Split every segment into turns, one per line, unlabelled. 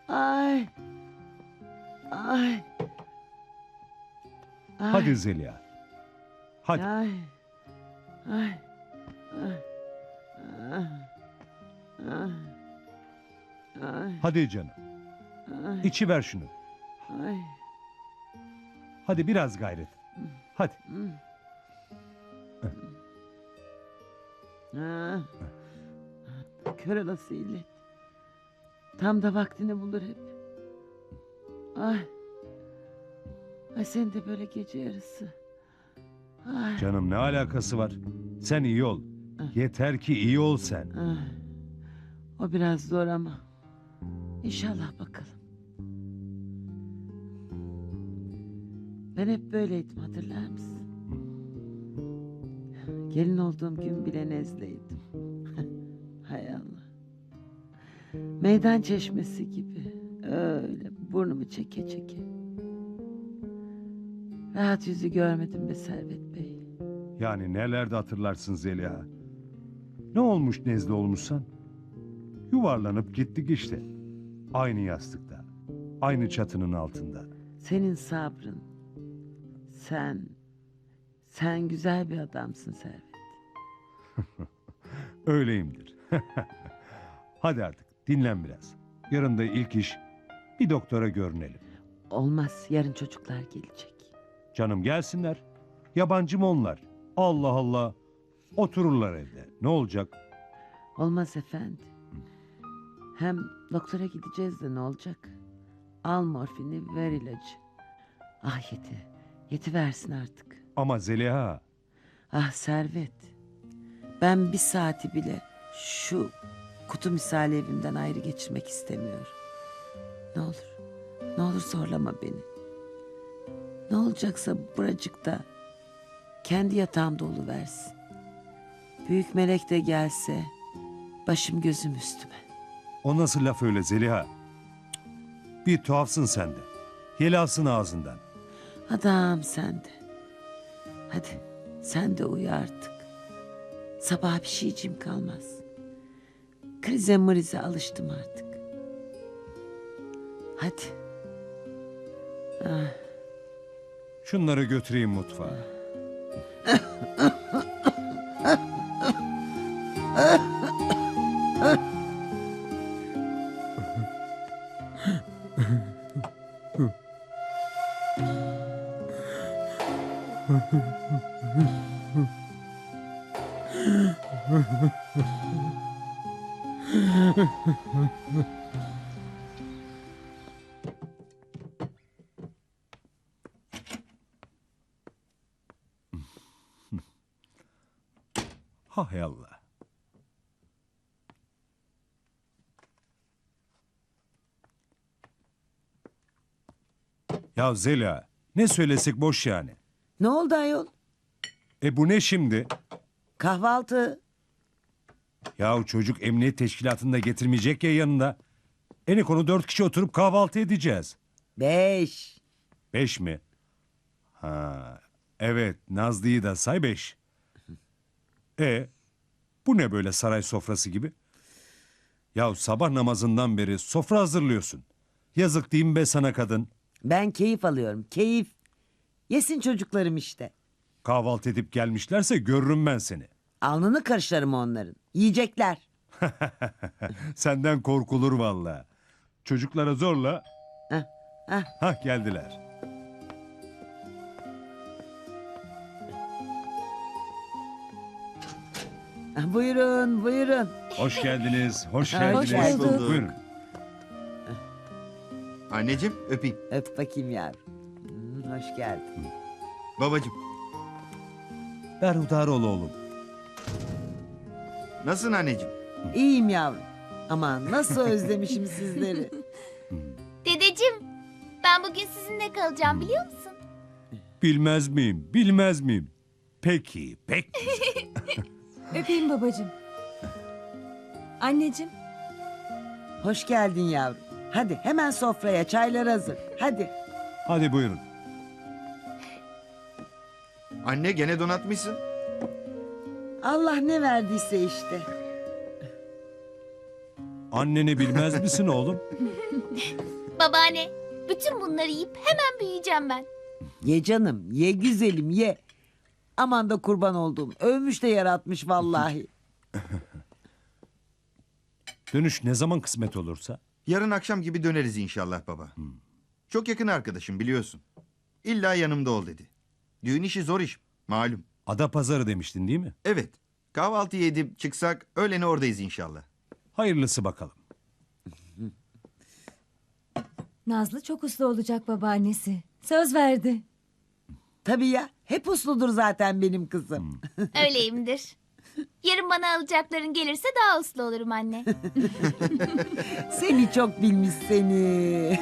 Ay. Ay. Ay.
Hadi Zeliha. Hadi.
Ay. Ay. Ay. Ay. Ay. Ay.
Hadi canım.
Ay.
İçi ver şunu.
Ay.
Hadi biraz gayret. Hadi.
Ha. Kör olası illet. Tam da vaktini bulur hep. Ay. Ay sen de böyle gece yarısı. Ay.
Canım ne alakası var? Sen iyi ol. Yeter ki iyi ol sen.
Ay. O biraz zor ama. İnşallah bakalım. Ben hep böyleydim, hatırlar mısın? Gelin olduğum gün bile nezleydim. Hay Allah. Meydan çeşmesi gibi. Öyle burnumu çeke çeke. Rahat yüzü görmedim be Servet Bey.
Yani nelerde hatırlarsın Zeliha. Ne olmuş nezle olmuşsan? Yuvarlanıp gittik işte. Aynı yastıkta. Aynı çatının altında.
Senin sabrın. Sen güzel bir adamsın Servet.
Öyleyimdir. Hadi artık dinlen biraz. Yarın da ilk iş bir doktora görünelim.
Olmaz, yarın çocuklar gelecek.
Canım gelsinler. Yabancı mı onlar? Allah Allah. Otururlar evde. Ne olacak?
Olmaz efendi. Hem doktora gideceğiz de ne olacak? Al morfini, ver ilacı. Ah Yeti versin artık.
Ama Zeliha.
Ah Servet. Ben bir saati bile şu kutu misali evimden ayrı geçirmek istemiyorum. Ne olur zorlama beni. Ne olacaksa buracıkta kendi yatağımda oluversin. Büyük melek de gelse başım gözüm üstüme.
O nasıl laf öyle Zeliha? Cık, bir tuhafsın sen de. Yelasın ağzından.
Adam sen de. Hadi sen de uyu artık. Sabah bir şeyciğim kalmaz. Krize mrize alıştım artık. Hadi. Ah,
Şunları götüreyim mutfağa. Hay Allah. Ya Zeliha, ne söylesek boş yani.
ne oldu ayol?
Bu ne şimdi?
Kahvaltı.
Yahu çocuk emniyet teşkilatında getirmeyecek ya yanında. En konu 4 kişi oturup kahvaltı edeceğiz.
5.
5 mi? Ha, evet Nazlı'yı da say 5. Bu ne böyle saray sofrası gibi? Ya sabah namazından beri sofra hazırlıyorsun. Yazık değil mi be sana kadın?
Ben keyif alıyorum, keyif. Yesin çocuklarım işte.
Kahvaltı edip gelmişlerse görürüm ben seni.
Alnını karışlarım onların. Yiyecekler.
Senden korkulur vallahi. Çocuklara zorla.
Heh, heh.
Hah geldiler.
Buyurun, buyurun.
Hoş geldiniz. Hoş
Ha,
geldiniz.
hoş bulduk.
Buyurun.
Anneciğim öpeyim.
Öp bakayım yavrum. Hoş geldin.
Babacığım
Berhudar ol oğlum.
nasılsın anneciğim?
İyiyim yavrum. Aman nasıl özlemişim sizleri.
Dedeciğim, ben bugün sizinle kalacağım biliyor musun?
Bilmez miyim? Bilmez miyim? Peki, peki.
Öpeyim babacığım. Anneciğim.
Hoş geldin yavrum. Hadi hemen sofraya, çaylar hazır. Hadi.
Hadi buyurun.
Anne gene donatmışsın.
Allah ne verdiyse işte.
Anneni bilmez misin oğlum?
Babaanne, bütün bunları yiyip hemen büyüyeceğim ben.
Ye canım, ye güzelim, ye. Aman da kurban olduğum. Övmüş de yaratmış vallahi.
Dönüş ne zaman kısmet olursa.
Yarın akşam gibi döneriz inşallah baba. Çok yakın arkadaşım biliyorsun. İlla yanımda ol dedi. Düğün işi zor iş malum.
Adapazarı demiştin değil mi?
Evet. Kahvaltı edip çıksak öğlene oradayız inşallah.
Hayırlısı bakalım.
Nazlı çok uslu olacak babaannesi. Söz verdi.
Tabii ya, hep usludur zaten benim kızım.
Öyleyimdir. Yarın bana alacakların gelirse daha uslu olurum anne.
Seni çok bilmiş seni.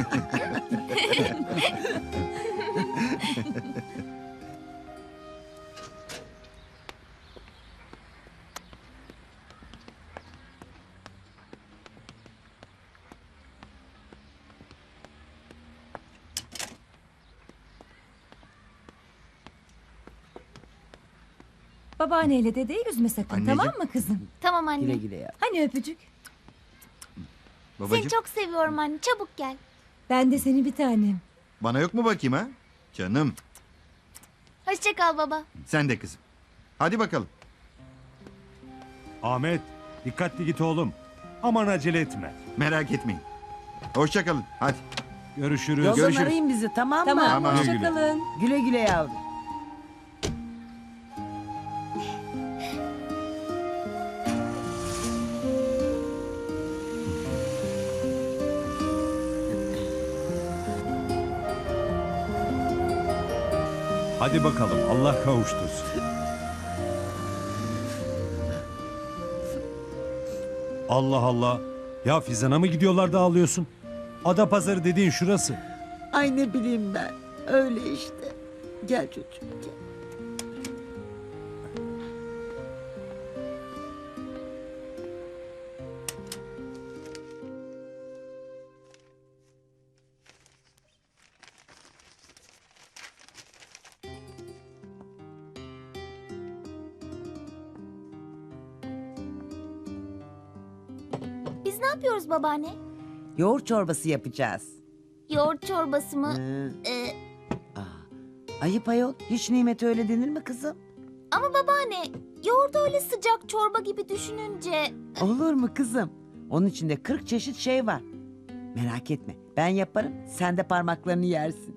Babaanneyle dedeyi üzme sakın,
Anneciğim.
tamam mı kızım?
Tamam anne.
Güle güle ya.
Hani öpücük?
Babacığım
Seni çok seviyorum anne. Çabuk gel.
Ben de seni bir tanem.
bana yok mu bakayım ha? Canım
Hoşça kal baba.
sen de kızım. Hadi bakalım.
Ahmet, dikkatli git oğlum. Aman acele etme.
Merak etmeyin. Hoşça kalın. Hadi.
Görüşürüz.
Yoldan
Görüşürüz.
arayın bizi, tamam mı?
Tamam,
Tamam.
hoşça
Güle güle.
kalın.
Güle güle yavrum.
Hadi bakalım, Allah kavuştursun. Allah Allah. Ya Fizan'a mı gidiyorlar da ağlıyorsun? Adapazarı dediğin şurası.
Ay ne bileyim ben. Öyle işte. Gel çocuğum gel.
Biz ne yapıyoruz babaanne?
Yoğurt çorbası yapacağız.
Yoğurt çorbası mı?
Hı.
Ee,
Ayıp ayol. Hiç nimete öyle denir mi kızım?
ama babaanne, yoğurdu öyle sıcak çorba gibi düşününce...
Olur mu kızım? Onun içinde 40 çeşit şey var. Merak etme. Ben yaparım. Sen de parmaklarını yersin.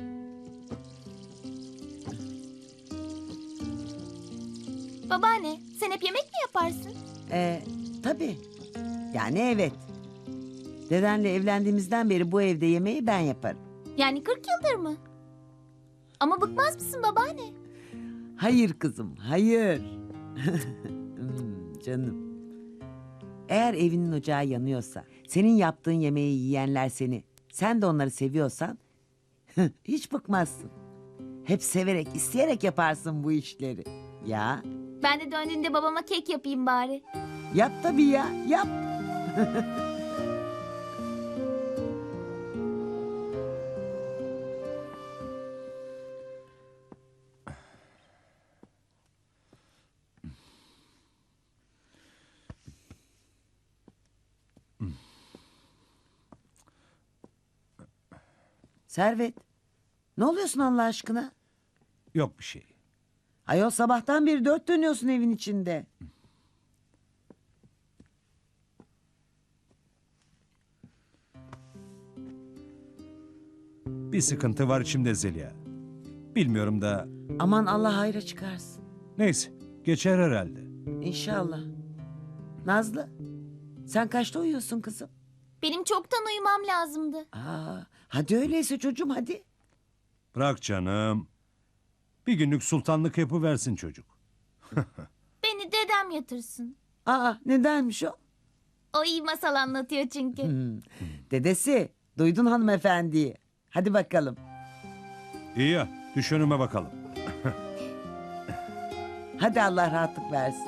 Babaanne, sen hep yemek mi yaparsın?
Tabii. Yani evet. Dedenle evlendiğimizden beri bu evde yemeği ben yaparım.
Yani 40 yıldır mı? Ama bıkmaz mısın babaanne?
Hayır kızım, hayır. Canım. Eğer evinin ocağı yanıyorsa, senin yaptığın yemeği yiyenler seni, sen de onları seviyorsan, hiç bıkmazsın. Hep severek, isteyerek yaparsın bu işleri. Ya,
Ben de döndüğünde babama kek yapayım bari.
yap tabii ya, yap. Servet, ne oluyorsun Allah aşkına?
Yok bir şey.
Ayol sabahtan beri dört dönüyorsun evin içinde.
Bir sıkıntı var içimde Zeliha. Bilmiyorum da
Aman Allah hayra çıkarsın.
neyse geçer herhalde.
İnşallah. Nazlı, sen kaçta uyuyorsun kızım?
Benim çoktan uyumam lazımdı.
Hadi öyleyse çocuğum hadi.
Bırak canım. Bir günlük sultanlık yapıversin çocuk.
Beni dedem yatırsın.
Nedenmiş o?
O iyi masal anlatıyor çünkü.
Dedesi, duydun hanımefendiyi. Hadi bakalım.
İyi ya düş önüme bakalım.
Hadi Allah rahatlık versin.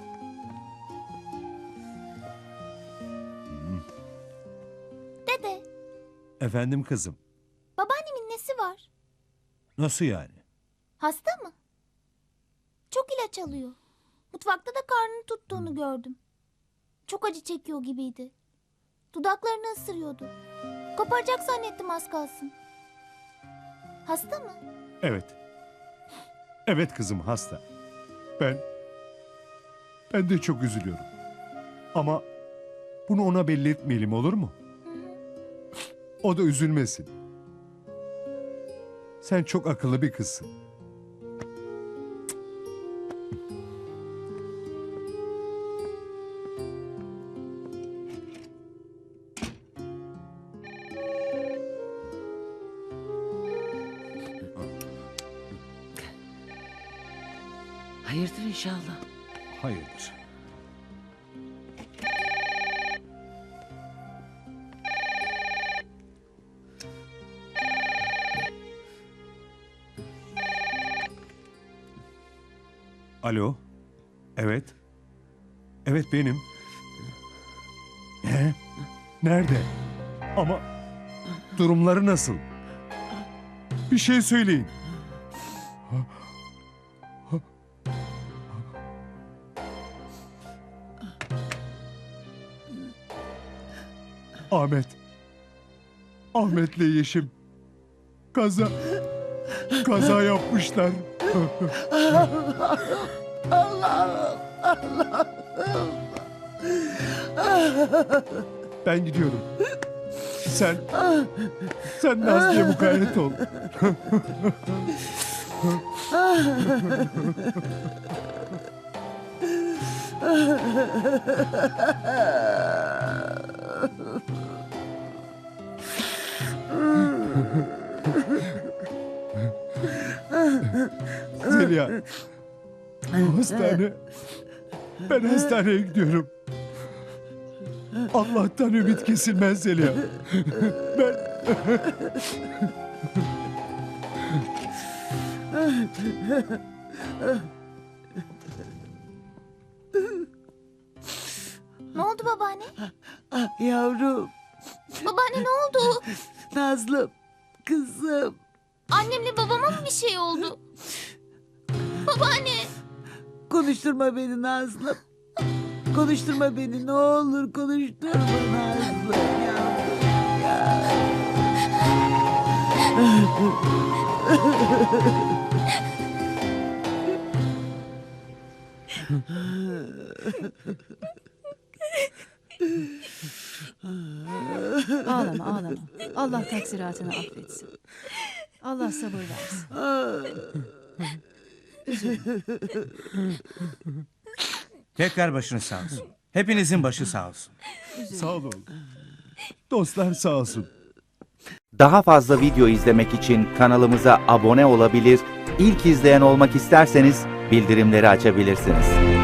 Dede,
Efendim kızım.
babaannemin nesi var?
Nasıl yani?
Hasta mı? Çok ilaç alıyor. Mutfakta da karnını tuttuğunu gördüm. Çok acı çekiyor gibiydi. Dudaklarını ısırıyordu. Koparacak zannettim az kalsın. Hasta mı?
Evet. Evet kızım hasta. Ben de çok üzülüyorum. Ama bunu ona belli etmeyelim, olur mu? O da üzülmesin. Sen çok akıllı bir kızsın.
Hayırdır inşallah.
Hayırdır. Alo. Evet. Evet benim. Ne? Nerede? Ama durumları nasıl? Bir şey söyleyin. Ahmet. Ahmet'le Yeşim. Kaza yapmışlar. Ben gidiyorum. Sen Nazlı'ya mukayyet ol. Zeliha. Hastane. Ben hastaneye gidiyorum. Allah'tan ümit kesilmez Zeliha. Ben...
Ne oldu babaanne?
Ah yavrum,
Babaanne ne oldu?
Nazlım, kızım.
Annemle babama mı bir şey oldu? Babaanne.
Konuşturma beni Nazlım. Konuşturma beni, ne olur konuşturma Nazlım yavrum ya.
Ağlama ağlama. Allah taksiratını affetsin. Allah sabır versin.
Tekrar başınız sağ olsun. Hepinizin başı sağ olsun.
Sağ olun. Dostlar sağ olsun.
Daha fazla video izlemek için kanalımıza abone olabilir, ilk izleyen olmak isterseniz bildirimleri açabilirsiniz.